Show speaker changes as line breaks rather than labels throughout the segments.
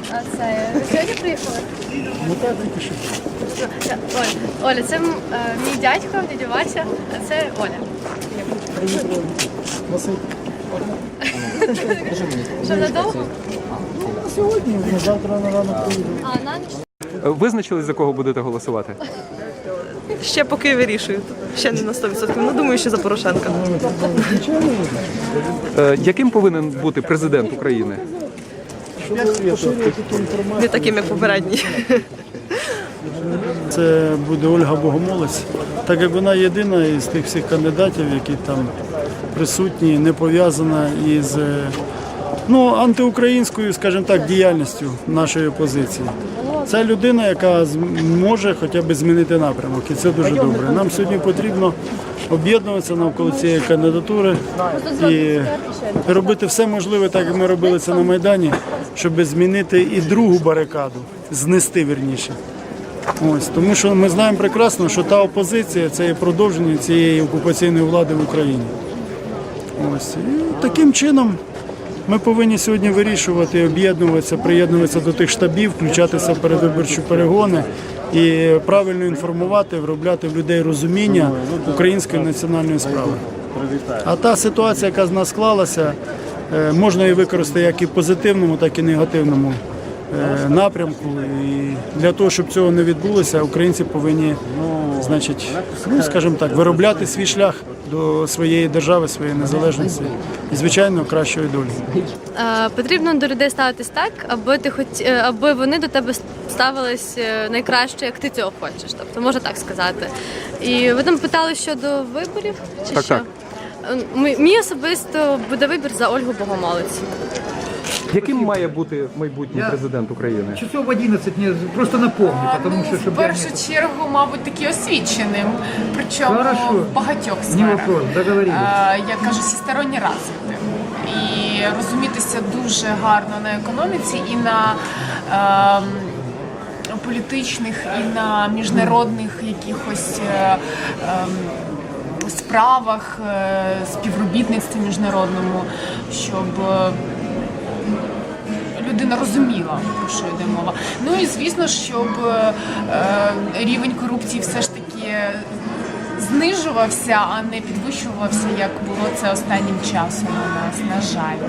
А це ви сьогодні приїхали?
Ну так, тільки що.
Оля, це мій дядько, дядя Вася, а це Оля.
Василь.
Що, надовго?
Сьогодні, на завтра на ранок приїду.
А, на ніч?
Визначили, за кого будете голосувати?
Ще поки вирішую. Ще не на 100%. Ну, думаю, що за Порошенка.
Яким повинен бути президент України?
Не таким, як попередній.
Це буде Ольга Богомолець, так як вона єдина із тих всіх кандидатів, які там присутні, не пов'язана із антиукраїнською, скажімо так, діяльністю нашої опозиції. Це людина, яка може хоча б змінити напрямок, і це дуже добре. Нам сьогодні потрібно об'єднуватися навколо цієї кандидатури і робити все можливе, так як ми робили це на Майдані, щоб змінити і другу барикаду, знести вірніше. Ось, тому що ми знаємо прекрасно, що та опозиція – це є продовження цієї окупаційної влади в Україні. Ось. І таким чином ми повинні сьогодні вирішувати, об'єднуватися, приєднуватися до тих штабів, включатися в передвиборчі перегони і правильно інформувати, вробляти в людей розуміння української національної справи. А та ситуація, яка з нас склалася, можна її використати як і в позитивному, так і негативному напрямку. І для того, щоб цього не відбулося, українці повинні, скажімо так, виробляти свій шлях до своєї держави, своєї незалежності і, звичайно, кращої долі.
Потрібно до людей ставитись так, аби вони до тебе ставились найкраще, як ти цього хочеш. Тобто, можна так сказати. І ви там питали щодо виборів? Чи
Так,
що?
так.
Мій особисто буде вибір за Ольгу Богомолець.
Яким має бути майбутній президент України?
Часов в 11 мне просто напомню, потому что...
В першу чергу, мабуть, таки освіченим, причому
Хорошо.
в багатьох
Не
сферах.
вопрос, договорились.
Я кажу, всесторонньо розвитим. І розумітися дуже гарно на економіці і на політичних, і на міжнародних якихось справах, співробітництві міжнародному, щоб людина розуміла, про що йде мова. Ну і звісно, щоб рівень корупції все ж таки знижувався, а не підвищувався, як було це останнім часом у нас, на жаль.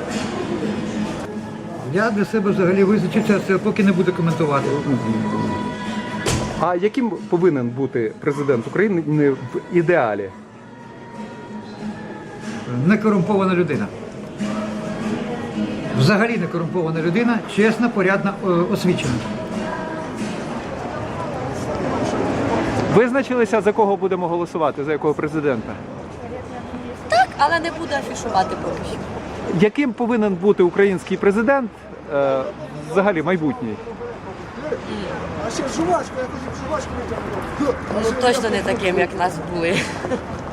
Я для себе взагалі визначився, це поки не буду коментувати.
А яким повинен бути президент України в ідеалі?
Некорумпована людина. Взагалі некорумпована людина, чесна, порядна, освічена.
Визначилися, за кого будемо голосувати, за якого президента?
Так, але не буду афішувати поки що.
Яким повинен бути український президент взагалі майбутній?
Ну точно не таким, як нас були.